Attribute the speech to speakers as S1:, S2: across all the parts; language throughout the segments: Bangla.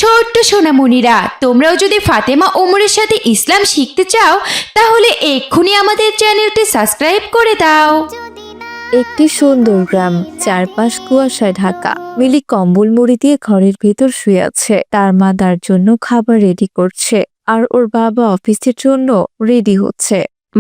S1: ছোট্ট সোনামণিরা, তোমরাও যদি ফাতেমা ওমরের সাথে ইসলাম শিখতে চাও তাহলে এক্ষুনি আমাদের চ্যানেলটি সাবস্ক্রাইব করে দাও।
S2: একটি সুন্দর গ্রাম, চারপাশ কুয়াশায় ঢাকা। মিলি কম্বল মুড়ি দিয়ে ঘরের ভেতর শুয়ে আছে। তার মা তার জন্য খাবার রেডি করছে, আর ওর বাবা অফিসের জন্য রেডি হচ্ছে।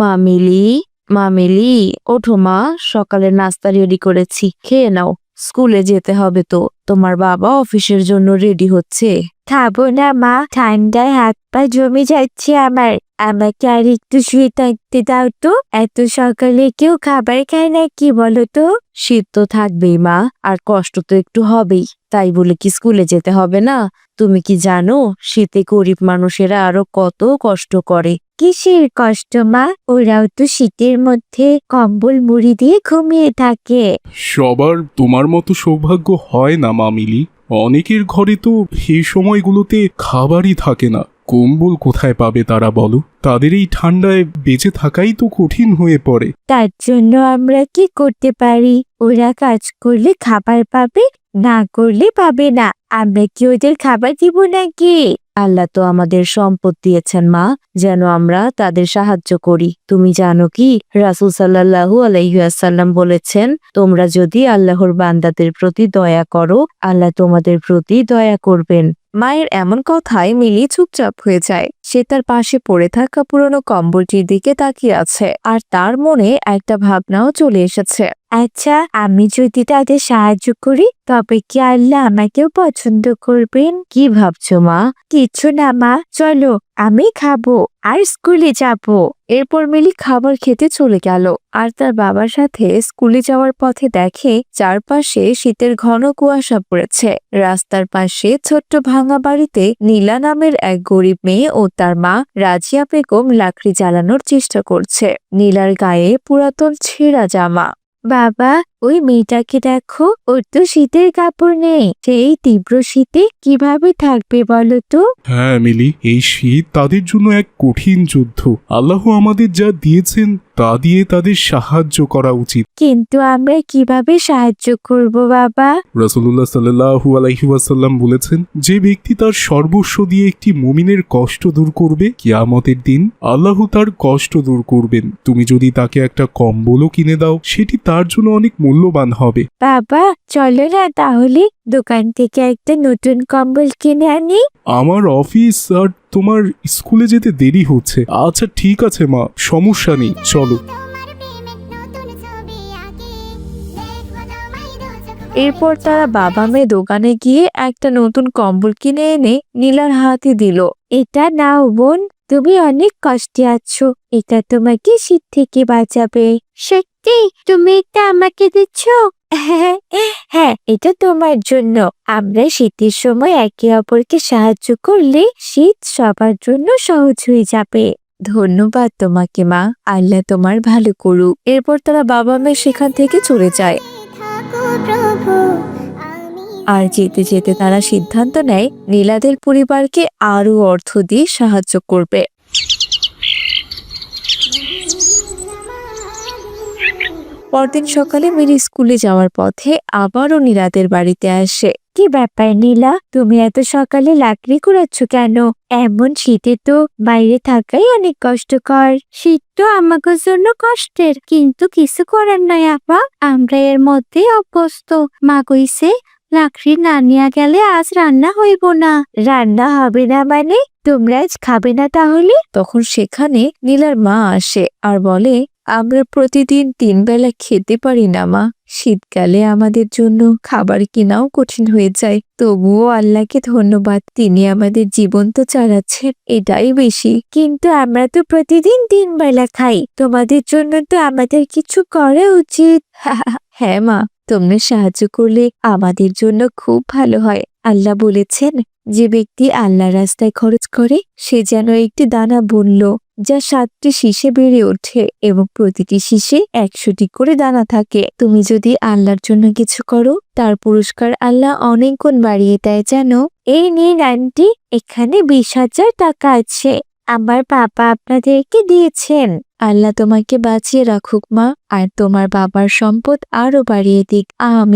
S2: মা মিলি, ওঠো মা, সকালের নাস্তা রেডি করেছি, খেয়ে নাও। স্কুলে যেতে হবে তো, তোমার বাবা অফিসের জন্য রেডি হচ্ছে। খাবো না মা, ঠান্ডায় হাত পা জমে যাচ্ছে আমার। আমাকে আর একটু শুয়ে থাকতে দাও তো। এত সকালে কেউ খাবার খায় না কি বলো তো? শীত তো থাকবেই মা, আর কষ্ট তো একটু হবেই। তাই বলে কি স্কুলে যেতে হবে না? তুমি কি জানো শীতে গরিব মানুষেরা আরো কত কষ্ট করে? কিসের কষ্ট মা? ওরাও তো শীতের মধ্যে কম্বল মুড়ি দিয়ে ঘুমিয়ে থাকে।
S3: সবার তোমার মতো সৌভাগ্য হয় না মামিলি। অনেকের ঘরে তো এই সময়গুলোতে খাবারই থাকে না। কম্বল কোথায় পাবে তারা বলো? তাদের এই ঠান্ডায় বেঁচে থাকাই তো কঠিন হয়ে পড়ে।
S2: তার জন্য আমরা কি করতে পারি? ওরা কাজ করলে খাবার পাবে, না করলে পাবে না। আমরা কি ওদের খাবার দিব নাকি? আল্লাহ তো আমাদের সম্পদ দিয়েছেন মা, যেন আমরা তাদের সাহায্য করি। তুমি জানো কি, রাসূল সাল্লাল্লাহু আলাইহি ওয়াসাল্লাম বলেছেন, তোমরা যদি আল্লাহর বান্দাদের প্রতি দয়া করো, আল্লাহ তোমাদের প্রতি দয়া করবেন। মায়ের এমন কথায় মিলি চুপচাপ হয়ে যায়। সে তার পাশে পড়ে থাকা পুরনো কম্বলটির দিকে তাকিয়ে আছে, আর তার মনে একটা ভাবনাও চলে এসেছে। আচ্ছা, আমি যদি তাদের সাহায্য করি তবে কি আল্লাহ আমাকেও পছন্দ করবেন? কি ভাবছো মা? কিছু না মা, চলো আমি খাবো আর স্কুলে যাব। এরপর মিলি খাবার খেতে চলে গেল, আর তার বাবার সাথে স্কুলে যাওয়ার পথে দেখে চারপাশে শীতের ঘন কুয়াশা পড়েছে। রাস্তার পাশে ছোট্ট ভাঙা বাড়িতে নীলা নামের এক গরিব মেয়ে ও তার মা রাজিয়া বেগম লাকড়ি জ্বালানোর চেষ্টা করছে। নীলার গায়ে পুরাতন ছেঁড়া জামা। বাবা, ওই মেয়েটাকে দেখো, ওর তো শীতের কাপড় নেই। সেই তীব্র শীতে কিভাবে থাকবে বলো তো?
S3: হ্যাঁ মিলি, এই শীত তাদের জন্য এক কঠিন যুদ্ধ। আল্লাহ আমাদের যা দিয়েছেন তা দিয়ে তাদের সাহায্য করা উচিত।
S2: কিন্তু আমরা কিভাবে সাহায্য করব বাবা?
S3: রাসূলুল্লাহ সাল্লাল্লাহু আলাইহি ওয়াসাল্লাম বলেছেন, যে ব্যক্তি তার সর্বস্ব দিয়ে একটি মুমিনের কষ্ট দূর করবে, কিয়ামতের দিন আল্লাহ তার কষ্ট দূর করবেন। তুমি যদি তাকে একটা কম্বলও কিনে দাও, সেটি তার জন্য অনেক মূল্যবান হবে।
S2: বাবা, চলো না তাহলে দোকান থেকে একটা নতুন কম্বল কিনে আনি।
S3: আমার অফিস আর তোমার স্কুলে যেতে দেরি হচ্ছে। আচ্ছা ঠিক আছে মা, সমস্যা নেই, চলো।
S2: এরপর তারা বাবা মেয়ে দোকানে গিয়ে একটা নতুন কম্বল কিনে এনে নীলার হাতে দিল। এটা নাও বোন, তুমি অনেক কষ্টে আছো, এটা তোমাকে শীত থেকে বাঁচাবে। সত্যি তুমি এটা আমাকে দিচ্ছ? হ্যাঁ হ্যাঁ, এটা তোমার জন্য। আমরা শীতের সময় একে অপরকে সাহায্য করলে শীত সবার জন্য সহজ হয়ে যাবে। ধন্যবাদ তোমাকে মা, আল্লাহ তোমার ভালো করুক। এরপর তারা বাবা মেয়ে সেখান থেকে চলে যায়। আর যেতে যেতে তারা সিদ্ধান্ত নেয় নীলাদের পরিবারকে আরো অর্থ দিয়ে সাহায্য করবে। পরদিন সকালে মিলি স্কুলে যাওয়ার পথে আবারও নীলাদের বাড়িতে আসে। কি ব্যাপার নীলা, তুমি এত সকালে লাকড়ি কুড়াচ্ছ কেন? এমন শীতে তো বাইরে থাকাই অনেক কষ্টকর। শীত তো আমাদের জন্য কষ্টের, কিন্তু কিছু করার নাই আপা, আমরা এর মধ্যে অভ্যস্ত। মা কইছে লাকড়ি না নিয়ে গেলে আজ রান্না হইব না। রান্না হবে না মানে? তোমরা আজ খাবে না তাহলে? তখন সেখানে নীলার মা আসে আর বলে, আমরা প্রতিদিন 3 বেলা খেতে পারি না মা। শীতকালে আমাদের জন্য খাবার কেনাও কঠিন হয়ে যায়। তবুও আল্লাহকে ধন্যবাদ, তিনি আমাদের জীবন তো চালাচ্ছেন, এটাই বেশি। কিন্তু আমরা তো প্রতিদিন 3 বেলা খাই, তোমাদের জন্য তো আমাদের কিছু করা উচিত। হ্যাঁ মা, তোমরা সাহায্য করলে আমাদের জন্য খুব ভালো হয়। আল্লাহ বলেছেন, যে ব্যক্তি আল্লাহ রাস্তায় খরচ করে সে যেন একটি দানা বুনল, যা 7টি শীষে বেড়ে ওঠে এবং প্রতিটি শীষে 100টি করে দানা থাকে। তুমি যদি আল্লাহর জন্য কিছু করো, তার পুরস্কার আল্লাহ অনেক গুণ বাড়িয়ে দেয় জানো। এই নিন আন্টি, এখানে 20,000 টাকা আছে, আমার বাবা আপনাদেরকে দিয়েছেন। আল্লাহ তোমাকে বাঁচিয়ে রাখুক মা, আর তোমার বাবার সম্পদ আরো বাড়িয়ে দিক, আমিন।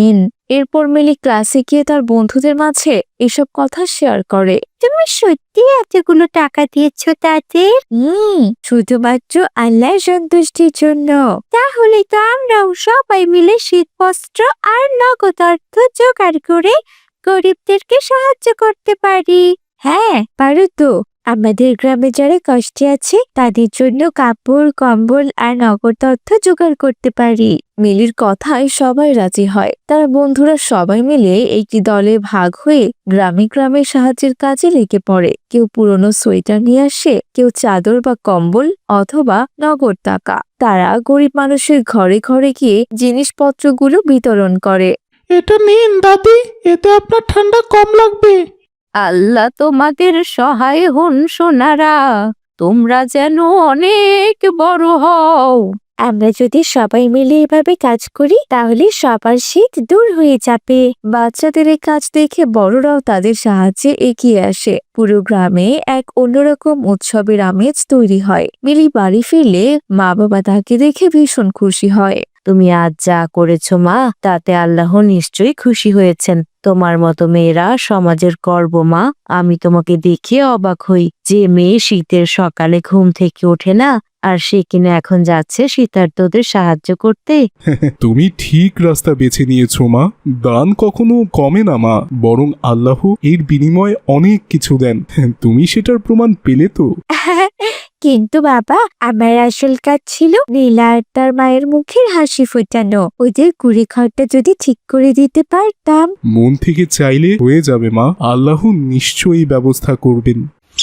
S2: এরপর মিলি ক্লাসে গিয়ে তার বন্ধুদের মাঝে এসব কথা শেয়ার করে। তুমি সত্যি এতগুলো টাকা দিয়েছ তাদের? শুধুমাত্র আল্লাহর সন্তুষ্টির জন্য। তাহলে তো আমরাও সবাই মিলে শীতবস্ত্র আর নগদ অর্থ জোগাড় করে গরিবদেরকে সাহায্য করতে পারি। হ্যাঁ পারো তো। আমাদের গ্রামে যারা কষ্টে আছে তাদের জন্য কাপড় কম্বল আর নগদ অর্থ জোগাড় করতে পারি। মিলির কথায় সবাই রাজি হয়। তার বন্ধুরা সবাই মিলে একটি দলে ভাগ হয়ে গ্রামে গ্রামে সাহায্যের কাজে লেগে পড়ে। কেউ পুরনো সোয়েটার নিয়ে আসে, কেউ চাদর বা কম্বল অথবা নগদ টাকা। তারা গরিব মানুষের ঘরে ঘরে গিয়ে জিনিসপত্রগুলো বিতরণ করে।
S4: এটা নিন দাদি, এতে আপনার ঠান্ডা কম লাগবে।
S2: আল্লাহ তোমাদের সহায় হন সোনারা, তোমরা যেন অনেক বড় হও। আমরা যদি সবাই মিলে এভাবে কাজ করি তাহলে সবার শীত দূর হয়ে যাবে। বাচ্চাদের এই কাজ দেখে বড়রাও তাদের সাহায্যে এগিয়ে আসে। পুরো গ্রামে এক অন্যরকম উৎসবের আমেজ তৈরি হয়। মিলি বাড়ি ফিরলে মা বাবা তাকে দেখে ভীষণ খুশি হয়। তুমি আজ যা করেছো মা, তাতে আল্লাহ নিশ্চয়ই খুশি হয়েছেন। তোমার মতো মেয়েরা সমাজের গর্ব মা। আমি তোমাকে দেখে অবাক হই, যে মেয়ে শীতের সকালে ঘুম থেকে ওঠে না আর সে কিনা এখন যাচ্ছে শীতার্তদের সাহায্য করতে।
S3: তুমি ঠিক রাস্তা বেছে নিয়েছো মা। দান কখনো কমে না মা, বরং আল্লাহ এর বিনিময়ে অনেক কিছু দেন। তুমি সেটার প্রমাণ পেলে তো।
S2: কিন্তু বাবা, আমার আসল কাজ ছিল নীলা আর তার মায়ের মুখের হাসি ফোটানো। ওদের কুড়ি ঘরটা যদি ঠিক করে দিতে পারতাম।
S3: মন থেকে চাইলে হয়ে যাবে মা, আল্লাহ নিশ্চয়ই ব্যবস্থা করবেন।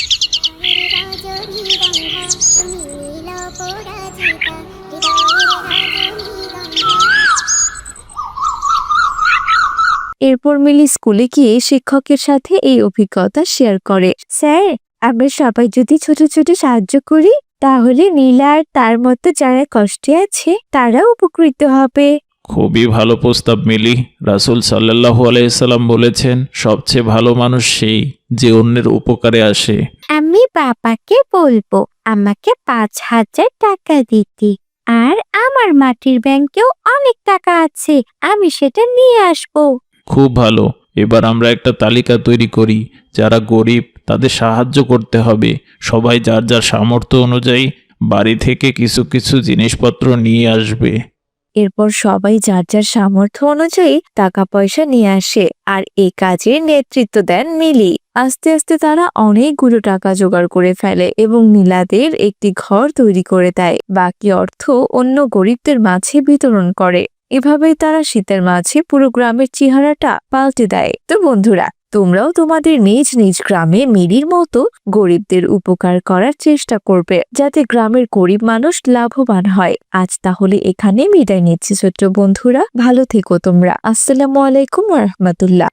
S2: এরপর মিলি স্কুলে গিয়ে শিক্ষকের সাথে এই অভিজ্ঞতা শেয়ার করে। স্যার, আমরা সবাই যদি ছোট ছোট সাহায্য করি তাহলে নীলা আর তার মতো যারা কষ্টে আছে তারা উপকৃত হবে।
S4: খুবই ভালো প্রস্তাব মিলি। রাসূল সাল্লাল্লাহু আলাইহি সাল্লাম বলেছেন, সবচেয়ে ভালো মানুষ সেই যে অন্যের উপকারে আসে।
S2: আমি বাবাকে বলবো আমাকে 5,000 টাকা দিতে। আর আমার মাটির ব্যাংকেও অনেক টাকা আছে, আমি সেটা নিয়ে আসবো।
S4: খুব ভালো। এবার আমরা একটা তালিকা তৈরি করি, যারা গরিব তাদের সাহায্য করতে হবে। সবাই যার যার সামর্থ্য অনুযায়ী বাড়ি থেকে কিছু কিছু জিনিসপত্র নিয়ে আসবে।
S2: এরপর সবাই যার যার সামর্থ্য অনুযায়ী টাকা পয়সা নিয়ে আসে আর এই কাজের নেতৃত্ব দেন মিলি। আস্তে আস্তে তারা অনেকগুলো টাকা জোগাড় করে ফেলে এবং নীলাদের একটি ঘর তৈরি করে দেয়। বাকি অর্থ অন্য গরিবদের মাঝে বিতরণ করে। এভাবেই তারা শীতের মাঝে পুরো গ্রামের চেহারাটা পাল্টে দেয়। তো বন্ধুরা, তোমরাও তোমাদের নিজ নিজ গ্রামে মিলির মতো গরিবদের উপকার করার চেষ্টা করবে, যাতে গ্রামের গরিব মানুষ লাভবান হয়। আজ তাহলে এখানে বিদায় নিচ্ছি ছোট্ট বন্ধুরা, ভালো থেকো তোমরা। আসসালামু আলাইকুম ওয়া রাহমাতুল্লাহ।